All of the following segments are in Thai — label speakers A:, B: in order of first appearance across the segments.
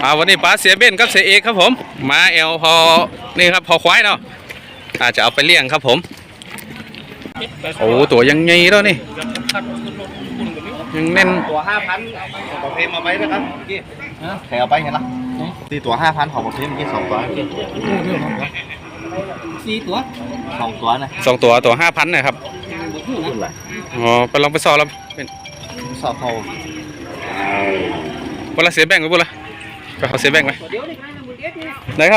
A: วันนี้ป้าเสียเบ้นกับเสียเอกครับผมมาเอลพอนี่ครับพอควายเนาะอาจจะเอาไปเลี้ยงครับผมโอ้ตัวยังไงแล้วนี่ยังแน่น
B: ตัว 5,000ของประเภทมาไว้นะครับพี่ใครเอาไปเห็นละตีตัว 5,000ของประเภทเมื่อกี้2ตัวพี่4ตัว2ตัวนะ
A: 2ตัว5,000นะครับอ๋อไปลองไปสอบแล้วเป็น
B: สอบเขา
A: เวลาเสียแบ่งไปปุ๊บละก็เขาเสียแบ่งไหมไหนครับ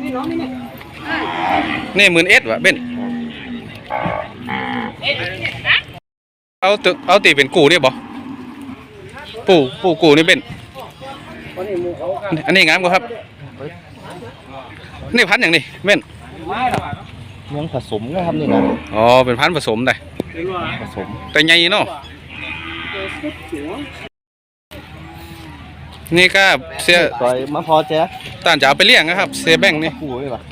A: นี่11,000วะเบ้นเอาตีเป็นกูเนี่ยบ่ปูกูนี่เบ้นอันนี้งามกว่าครับนี่พันธุ์อย่างนี้เบ้น
B: ยังผสมนะครับนี่นะ
A: อ๋อเป็นพันธุ์ผสมได้
B: ผสม
A: แต่ใหญ่เนาะนี่ก็เสีย
B: ต่อยมาพอแจ๊
A: ต่างจะเอาไปเลี้ยงนะครับเสียแบ่งนี่
B: กูเลยป่ะ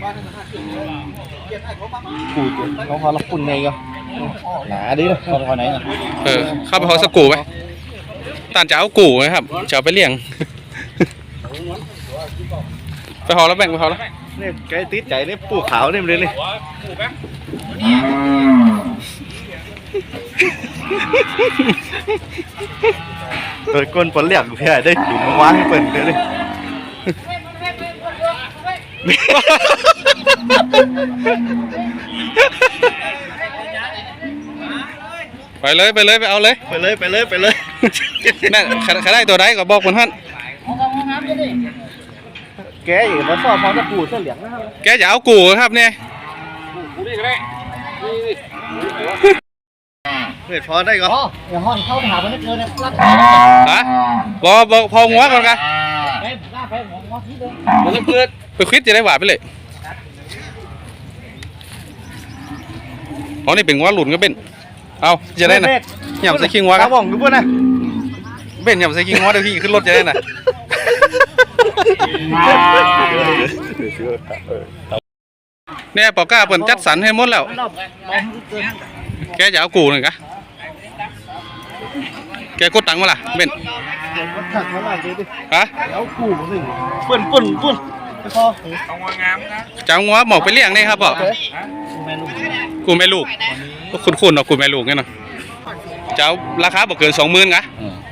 B: กูเขาพอรับปุ่นไงก็หนาดิเลยเขาไหนนะ
A: เข้าไปเขาสกูไหมต่างจะเอากูนะครับจะเอาไปเลี้ยงไปหอแล้วแบ่งไปหอแล้ว
B: นี่ไก่ติดใจนี่ปูขาวนี่มันเลยนี่เปิดก้นปนเหลี่ยมเพื่อได้ถุงว้าให้เปิดเลย
A: ไปเลยไปเอาเลยนั่นใครได้ตัวใดก็บอกคนท่าน
B: แกอยู่มาสอบพอจะกูเสื้อเหลืองนะครับ
A: แกจะเอากูครับเนี่ย
B: เฮ้ยพอได้ก็
C: อย่าห้อนเข้าหาคนนี้เกินนะรัก
A: ฮะบอกพองัวก่อนกัน
C: ไปหัวที่เดิม
A: มันเกิดไปคิดจะได้หวานไปเลยอ๋อนี่เป็นงัวหลุนก็เป็นเอาจะได้นะหย่ำใส่ขี้งัวครับ
B: ผมดูป่ะนะ
A: เป็นหย่ำใส่ขี้งัวเดี๋ยวพี่ขึ้นรถจะได้นะเนี่ยปอก้าเปิดจัดสรรให้หมดแล้วแกจะเอากูหนึ่งกะแกกดตังค์มาล่ะเบนฮะ
B: เอากูหนึ่งปุ่นไปพอเอางงามนะ
A: จะเอางัวหมอกไปเลี้ยงนี่ครับบอกกูแม่ลูกคุณเนาะกูแม่ลูกเนี่ยเนาะจะเอาราคาบอกเกิน20,000กะ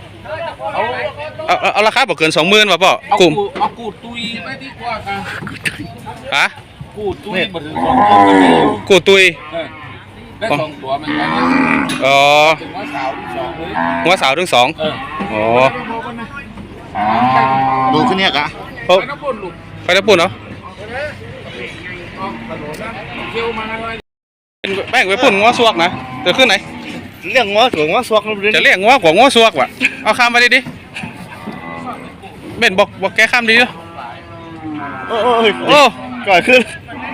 A: เอาราคาบอกเกิน20,000ป่ะป่ะ
C: กูเอากูตุยไม่ดีกว่ากัน
A: ฮะ
C: กูตุยมาถึง2 ตัว
A: กูตุย
C: ได้2 ตัวมันกัน
A: อ๋อ
C: ถึงว่าสาวที่2เลย
A: ว่าสาวทั้ง2อ๋อ
B: ดูขึ้นเนี่ยกะ
A: ไปน้ำปุ่นเนาะแบ่งไปปุ่นง้อสวกนะเดี๋ยวขึ้นไหน
B: เลี้ยงง้อสวกง้อสวก
A: จะเลี้ยงง้อกว่าง้อสวกว่ะเอาข้ามไปดิเบ็นบอกแกข้ามดีด้วย
B: โอ้ก่อนขึ้น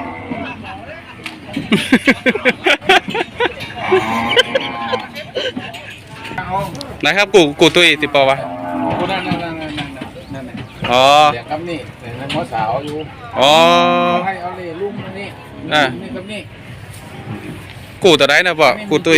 A: นะครับกูตุยติปอวะอ๋อ
C: เดี๋ยวครับนี่เดี๋ยวง้อสาวอยู่
A: อ๋อ
C: ให้เอาเลยลุงนี่นี่ครับนี่
A: กูตัวไหนนะป่ะกูตุย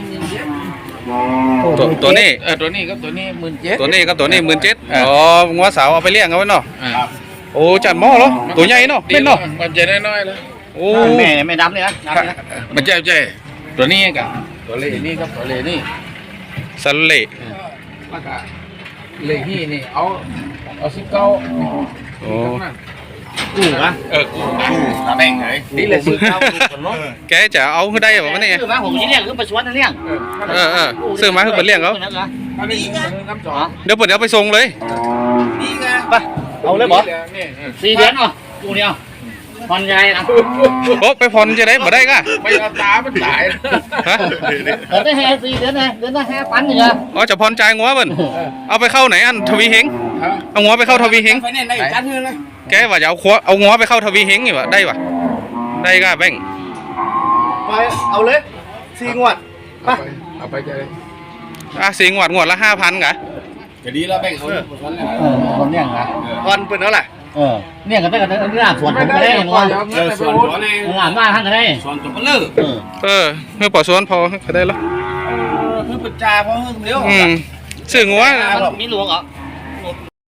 A: ตัวนี้
C: ตัวนี้ครับตัวนี้17,000
A: ตัวนี้ครับตัวนี้17,000อ๋องัวสาวเอาไปเลี้ยงเอาไว้เนาะโอ้จัดหม้อเหรอตัวใหญ่เนาะเป็นเนาะ
C: มันจะน้อยๆแล้ว
A: โอ้
B: ไม่ดำเลยนะ
C: มันใจตัวนี้กับตัวเล่นี่ครับตัวเล่นี่
A: สันเล่
C: แล้วก็เล่นี่เอา19
A: โอ้
B: กูนะ
C: กูแบ่งเลยนี่เลย
A: แกจะเอาขึ้นได้แบบว่านี่
B: ซื้อมาผมจะเลี้ยงคือประชดนะเลี้ยง
A: ซื้อมาคือเป็นเลี้ยงเขาเดี๋ยวไปส่งเลย
B: นี่ไงไปเอาเลยบอ4 เดือนอ๋อกูเนี่ยผ่อนใหญ่นะ
A: โอ้ไปผ่อนจะได้บ่ได้ก็
C: ไม่เอาตามันตาย
A: ฮะ
B: ได้4 เดือนนะเดือนละ5,000นี่เหรอ
A: อ๋อจะผ่อนจ่ายงัวเบิ่นเอาไปเข้าไหนอันทวีเฮงเอางัวไปเข้าทวีเฮงแกว่าจะเอางัวไปเข้าทวีเฮงอยู่วะได้ปะได้ก็แบ่ง
B: ไปเอาเลย4 งวดไป
C: เอาไปเลย
A: 4 งวดละ 5,000กะ
C: จะดีแล้วแบ่งเขา
B: คนเนี่ยนะผ่อนเป็นเท่าไหร่เนี่ยก็ได้กันเรื่องส่วนผมก็ได้งัว
C: ส่วนตัวนี่
B: งานบ้านท่านก็ได้
C: ส่วนตัวก็เลิก
A: เมื่อปอส่วนพอก็ได้แล้ว
C: คือปัจจาเพราะเรื่องเดียว
A: ซื้องัว
B: มีหลวงเหรอ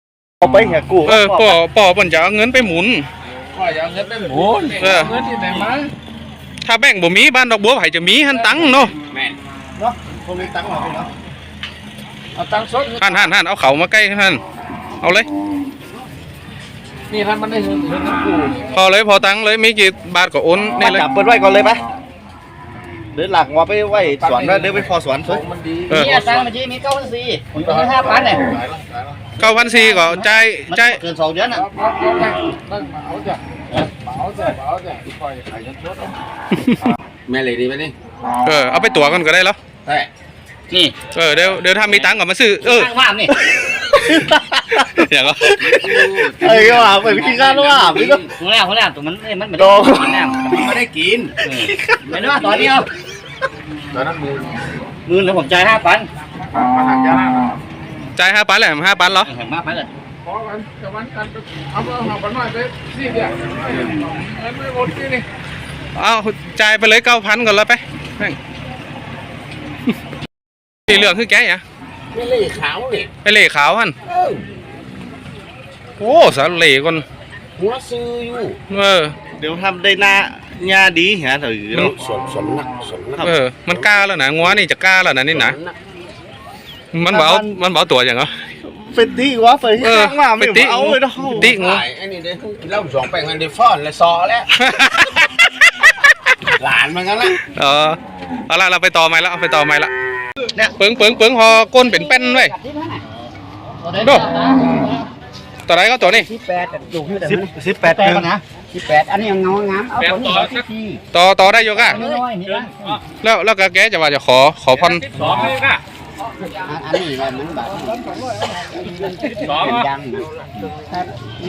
B: เอาไปเหี้ยกู
A: ป่อเพิ่นจะเอาเงินไปหมุน
C: ก็อย่าเงินไปหมุนเงินที่ไหนมา
A: ถ้าแบ่งบ่มีบ้านดอกบัวไผจะมีหันตังเนาะ
C: แม่น
B: เนาะคนมีตังค์เหรอพี่เนาะ
C: เอาตังค์สด
A: หันเอาเขามาใกล้หันเอาเลย
C: นี่ท่านมันได้เงินน้ำกู
A: พอเลยพอตังเลยมีกี่บาทก็โอน
B: มา
A: นี่เลย
B: จับเปิดไว้ก่อนเลยไหมเดินหลักว่าไปไว้สวนแล้วเดินไปพอสวนสวย
C: มันดี
D: นี่ตังค์เมื่อกี้มี9,400ผมต้องให้5,000เนี่ย
A: 9,400ก็จ่าย
B: เกิน2 เดือนอ่ะ
C: เอาจ้ะคอยขายยันชดแม่เลยดีไหมนี่
A: เอาไปตั๋วกันก็ได้แล้ว
C: แต่
D: นี่
A: เดี๋ยวถ้ามีตังก็มาซื้อ
D: ข้างว่ามนี่
A: อย่างก็
B: เอ้ยว่าไปพี่ข้าแล้วว่าพี่ก็
D: หัวหน้าตัวมันมันไม่
B: โด
D: ได้กินน้ำ
C: มันไม่ได้กิน
D: ไม่ได้ว่าต่อเดียว
C: ตอนนั้นมือ
D: มือแล้วผมจ่าย5,000
C: มาหันยาหน้า
A: จ่าย5,000แหละ5,000เหรอ
D: เห็นมากไปเลย
C: พอกันจะวันกันเอาเอาไปหน่อยไปสิเดียวเงินไม่หมดที่นี่
A: เอาจ่ายไปเลย9,000ก่อนแล้วไปแม่งสีเหลืองคือแกอ่ะ
C: ไม่เล่ขาวเลย
A: ไปเหล่ขาวหันโอ้สาเหล่ก่อน
C: หัวซื้ออยู่
B: เดี๋ยวทำได้หน้าหน้าดีเหี้ยถือ
C: สนนัก
A: มันกล้าแล้วนะงัวนี่จะกล้าแล้วนะนี่นะมันเบาตัวอย่างเหรอ
B: เป็นตีวะไปที่ข้างว่าไม่เอาเลยเนาะ
A: ติงู
C: ไอ้นี่เด้เล่าสองแป้งกันเดฟอนและซอแล้วหลานมันกันละ
A: เอาละเราไปต่อไม้แล้วเอาไปต่อไม้ละเนี่ยเปิงพอก้นเป็นแป้นไว้ดูตัวไหนก็ตัวนี้
D: 18อยู่ที่แต่
B: 18 เดือน
D: นะ18อันนี้ยังงามเอาผลที่
A: ต่อได้อยู่ก่ะ
D: น้อยๆนี่นะ
A: แล้วก็แกจะว่าจะขอพัน
D: อันนี้มันแบบยังนะครับ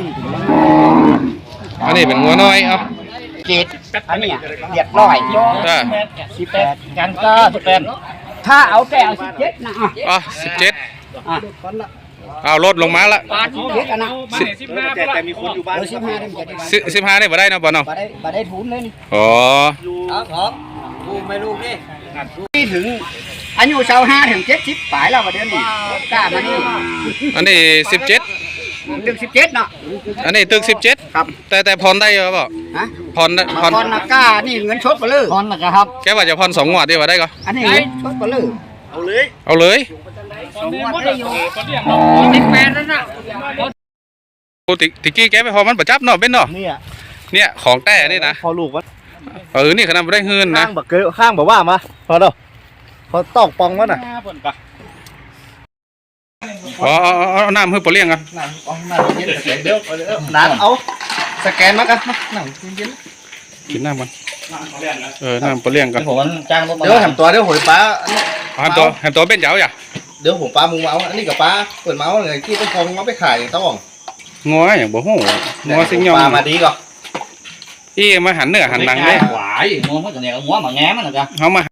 A: อันนี้เป็นงัวน้อยเอา
D: 7อันนี้เรียบร้อย18กันก็18ถ้าเอาแต่เอา17นะ
A: 17
D: อ่ะ
A: เอาลดลงมาละ
D: 17กันนะ
B: แต่มีคนอยู่บ้าน
D: 15ได้จะ
A: 15นี่บ่ได้นะบ่เนาะ
D: บ่ได้ทุนเลยนี่
A: อ๋อ
D: ครับกูไม่รู้นี่ถึงอายุ25ถึง70ปลายแล้วว่าเดือนนี้กล้ามานี่
A: อันนี้17
D: ถึง17เนาะ
A: อันนี้ตึก17
D: ครับ
A: แต่ผ่อนได้เหรอเปล่า
D: ฮะ
A: ผ่อน
D: พรนะกล้านี่เงินชดไปเลยพรนะครับ
A: แกว่าจะผ่อน2งวดดีกว่าได้ก็
D: อันนี้เงินชดไปเลย
B: เอาเลย
A: เอาเลย
D: 2 งวดได้อยู่
C: 18นั่นน่ะ
A: ปกติกี้แกไปพอมันประจับเนาะเป็นเนาะ เนี่ยของแต่นี่นะ
B: พอลูกวะ
A: นี่ขนาดไม่ได้เฮือนนะ
B: ข้างแบบเกยข้างแบบว่ามาพอเด้อพอตอกปองวะน่ะ
A: เอาน้ำเพื่อปลาเลี้ยงกัน
B: น้ำเอาสแกนมากันหนังเย็น
A: กินน้ำกันน้ำปลาเลี้ยงกัน
D: ผมจ้างรถ
B: เดี๋ยวแหมตัวเดี๋ยวหอยปลา
A: แฮมตัวเป็นเจ้าอย่า
B: เดี๋ยวผมปลามุงเมาอันนี้กับปลาเปิดเมาเลยที่ต้องพองเอาไปขายต้อง
A: งัวอย่างบ่หูงัวสิงยอง
B: ปลามาดีก่อน
A: อีมาหันเนื้อหันหนังเลย
D: หวายงัวมันจะเนี่ยงัวมาแง้มันเหรอจ๊ะ
A: เขามา